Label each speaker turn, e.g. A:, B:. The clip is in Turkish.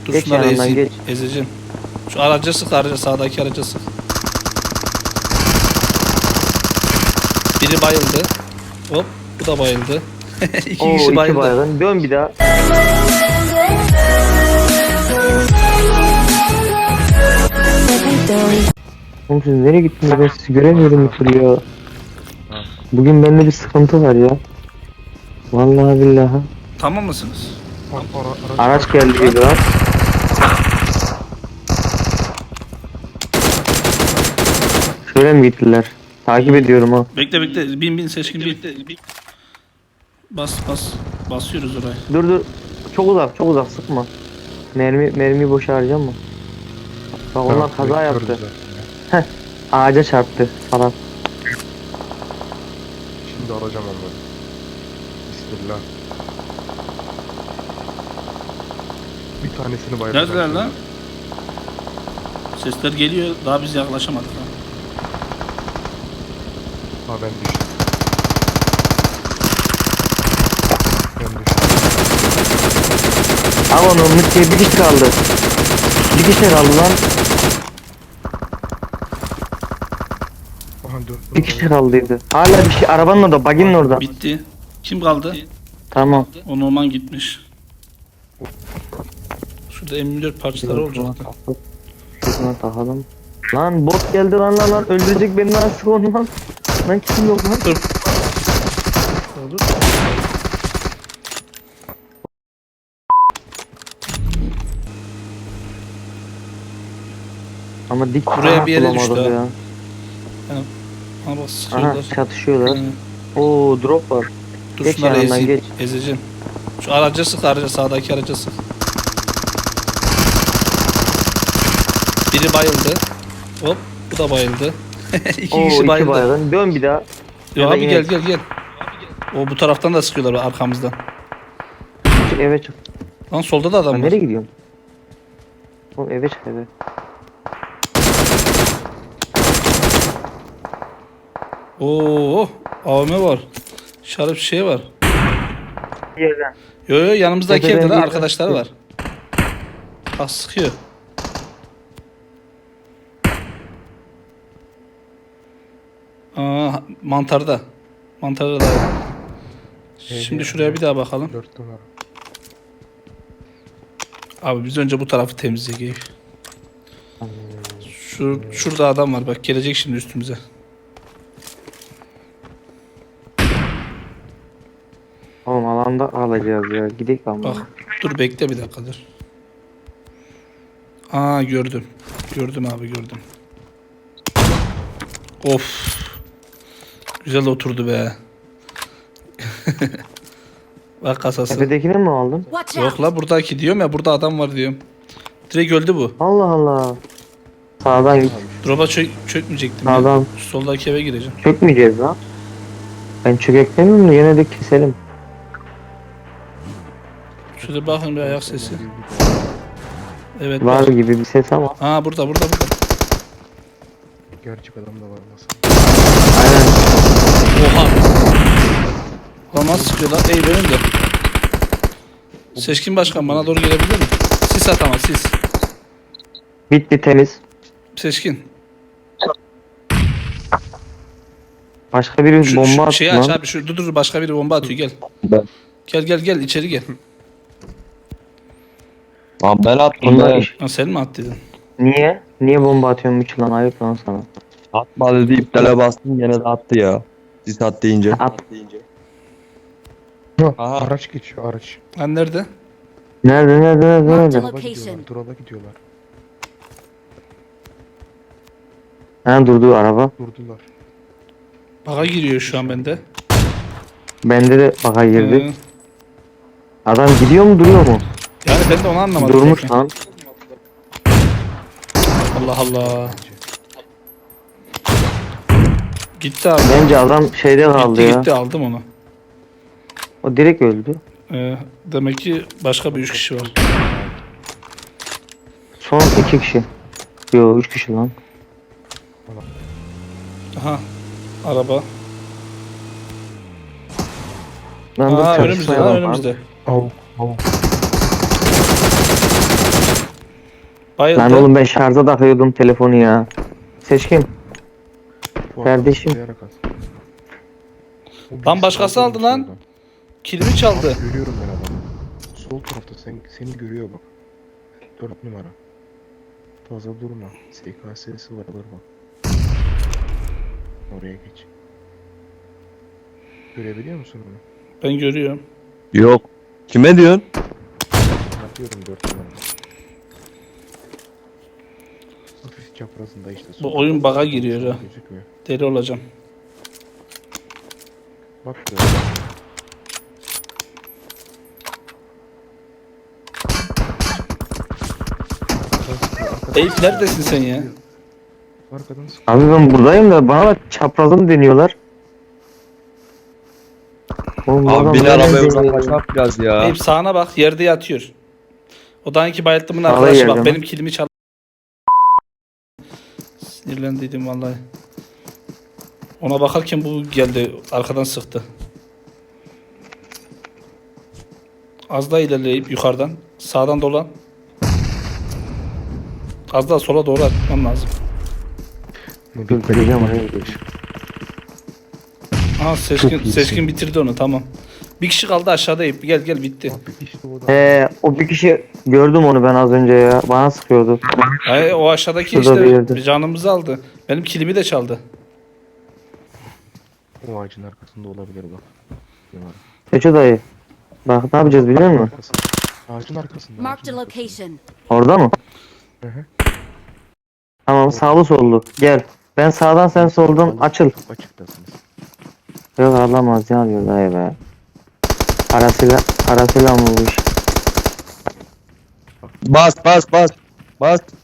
A: Dur
B: Geç
A: şunları
B: yanından,
A: ezeyim.
B: geç.
A: Ezeceğim. Şu araca sık, araca, sağdaki araca sık. Biri bayıldı. Hop, bu da bayıldı. İki
B: Oo,
A: kişi
B: iki
A: bayıldı.
B: baygın. Dön bir daha. Oğlum siz nereye gittiniz? Ben sizi göremiyorum bir türlü ya. Bugün bende bir sıkıntı var ya. Vallahi billahi.
A: Tamam mısınız?
B: Araç geldi gibi var. Şöyle mi gittiler? Takip ediyorum ha.
A: Bekle bekle. Bin seçkin bin. Bas. Basıyoruz oraya.
B: Dur. Çok uzak sıkma. Mermiyi boşa harcama. Bak onlar kaza yaptı. Heh. Ağaca çarptı falan.
C: Şimdi alacağım onları. Bismillah. Bir tanesini bayılacağım.
A: Neredeler lan? Sesler geliyor. Daha biz yaklaşamadık ha.
C: Ha ben düştüm. Ben düştüm.
B: Al onu Umut diye bir kişi kaldı. Bir kişi kaldı lan.
C: Aha dur.
B: Bir kişi kaldıydı. Hala bir şey arabanın orada, baginin orada.
A: Bitti. Kim kaldı?
B: Tamam.
A: O Norman gitmiş. Şurada M24 parçaları olacaktı.
B: Şuna takalım. Lan bot geldi lan öldürecek beni lan, sık onu lan. Lan kim yok lan?
A: Dur. Olur.
B: Ama dik
A: Buraya bir yere
B: bulamadık
A: düştü ha.
B: ya.
A: Ama bak
B: Aha
A: sıkıyorlar.
B: çatışıyorlar.
A: Hı.
B: Oo drop var.
A: Dur
B: Geç
A: şunları
B: yanından,
A: ezeyim.
B: geç.
A: Ezeceğim. Şu araca sık, araca, sağdaki araca sık. Biri bayıldı. Hop, bu da bayıldı. İki
B: Oo
A: kişi
B: iki
A: bayıldı.
B: baygın. Dön bir daha.
A: Ya
B: Ya da
A: abi
B: yine-
A: gel. O bu taraftan da sıkıyorlar arkamızdan.
B: Çık eve çık.
A: Lan solda da adam
B: Ben
A: var.
B: nereye gidiyorum? Oğlum eve çık eve.
A: Oo, AVM var. Şarap şey var.
B: Yerden.
A: Yo yanımızdaki
B: Tepeden
A: evde lan
B: bir
A: arkadaşları
B: yerden
A: var. Bak sıkıyor. Aa mantarda. Mantarda da. Şimdi şuraya bir daha bakalım.
C: 4 numara.
A: Abi biz önce bu tarafı temizleyelim. Şurada adam var bak gelecek şimdi üstümüze.
B: Oğlum alanda alacağız ya. Gidelim ama.
A: Bak dur bekle bir dakika dur. Aa gördüm. Gördüm abi gördüm. Of. Güzel oturdu be. Bak kasası.
B: Tepedekini mi aldın?
D: Watch
A: Yok
D: out!
A: la buradaki diyorum ya burada adam var diyorum. Direkt öldü bu.
B: Allah Allah. Sağdan git.
A: Drop'a çökmeyecektim ya.
B: Sağdan.
A: Şu soldaki eve gireceğim.
B: Çökmeyeceğiz lan. Ben çökeklemiyorum da yine de keselim.
A: Şurada bakın bir ayak sesi. Evet
B: Var
A: bak.
B: gibi bir ses ama.
A: Aa burada.
C: Gerçek adam da var nasıl?
B: Aynen.
A: Oha. Ulan nasıl sıkıyorlar? Ey benim de. Seçkin başkan bana doğru gelebilir mi? Sis at ama sis.
B: Bitti temiz.
A: Seçkin.
B: Başka biri
A: Şu,
B: bomba
A: şeyi
B: attı
A: aç
B: lan.
A: abi. Dur başka biri bomba atıyor gel.
E: Ben.
A: Gel içeri gel.
E: Lan ben attım
B: Onlar
E: ben.
B: iş.
A: Ha sen mi attıydın?
B: Niye? Niye bomba atıyorsun üç lan, ayıp lan sana.
E: Atma dedi iptale bastım gene de attı ya. Siz at deyince.
B: At.
E: Aha.
C: Araç geçiyor araç.
A: Lan nerede?
B: Nerede?
D: Marked a
C: Drop'a
D: location.
C: gidiyorlar. Drop'a gidiyorlar.
B: Ha durdu araba.
C: Durdular.
A: Baga giriyor şu an bende.
B: Bende de baka girdi.
A: Ee,
B: Adam gidiyor mu duruyor mu?
A: yani ben de onu anlamadım.
B: Durmuş
A: peki.
B: lan.
A: Allah Allah. Gitti abi.
B: Bence adam şeyde kaldı ya.
A: Gitti aldım onu.
B: O direkt öldü.
A: Demek ki başka bir 3 kişi var.
B: Son 2 kişi. Yo 3 kişi lan.
A: Aha. Araba.
B: Lan dur
A: Aa
B: çatışma
A: önümüzde
B: yapalım
A: lan
B: abi.
A: önümüzde.
C: Av.
A: Bayıldı.
B: Lan oğlum ben şarja takıyordum telefonu ya. Seçkin.
C: Bu adam
B: Kardeşim.
C: zıplayarak at. O
A: Lan
C: birisi
A: başkası
C: kaldırmış
A: aldı lan.
C: oradan.
A: Kilimi çaldı.
C: Abi görüyorum ben adamı. Sol tarafta seni görüyor bak. 4 numara. Fazla durma. SKS'si var alır bak. Oraya geç. Görebiliyor musun onu?
A: Ben görüyorum.
E: Yok. Kime diyorsun?
C: Atıyorum 4 numara. Hafif çaprazında işte.
A: Bu oyun bug'a giriyor ha.
C: Gözükmüyor.
A: Deli olacağım.
C: Bak da.
A: Eyüp neredesin sen ya?
C: Arkadan sık.
B: Abi ben buradayım da bana da çaprazım deniyorlar. Oğlum, bu adam
E: Abi bin
B: nereden
E: arabaya
B: deniyor?
E: uzaklaşmak biraz ya.
A: Eyüp sağına bak, yerde yatıyor. O dağınki bayılttımın
B: Sağda
A: arkadaşı
B: yerde
A: bak,
B: mi?
A: benim kilimi çaldı. Sinirlendiydim vallahi. Ona bakarken bu geldi, arkadan sıktı. Az daha ilerleyip yukarıdan, sağdan dolan. Az daha sola doğru atmam lazım.
B: Dur vereceğim oraya gidiyor.
A: Aha
C: Çok
A: Seçkin,
C: iyisin.
A: Seçkin bitirdi onu, tamam. Bir kişi kaldı aşağıda Eyüp, gel gel bitti.
C: Abi işte o da.
B: O bir kişi gördüm onu ben az önce ya. Bana sıkıyordu.
A: Ay, o aşağıdaki
B: Şurada bir
A: işte
B: yerde.
A: canımızı aldı. Benim kilimi de çaldı.
C: O ağacın arkasında olabilir bak. Numara.
B: Seço dayı. Bak ne yapacağız biliyor musun?
C: Arkasında. Ağacın arkasında.
D: Marked
C: ağacın
D: a
C: arkasında.
D: location.
B: Orada mı?
C: Hı hı.
B: Tamam sağlı sollu. Gel. Ben sağdan sen soldan açıl.
C: Çok açıktasınız.
B: Yok alamaz ya diyor dayı be. Parasıyla mı bu iş?
E: Bas bas bas. Bas.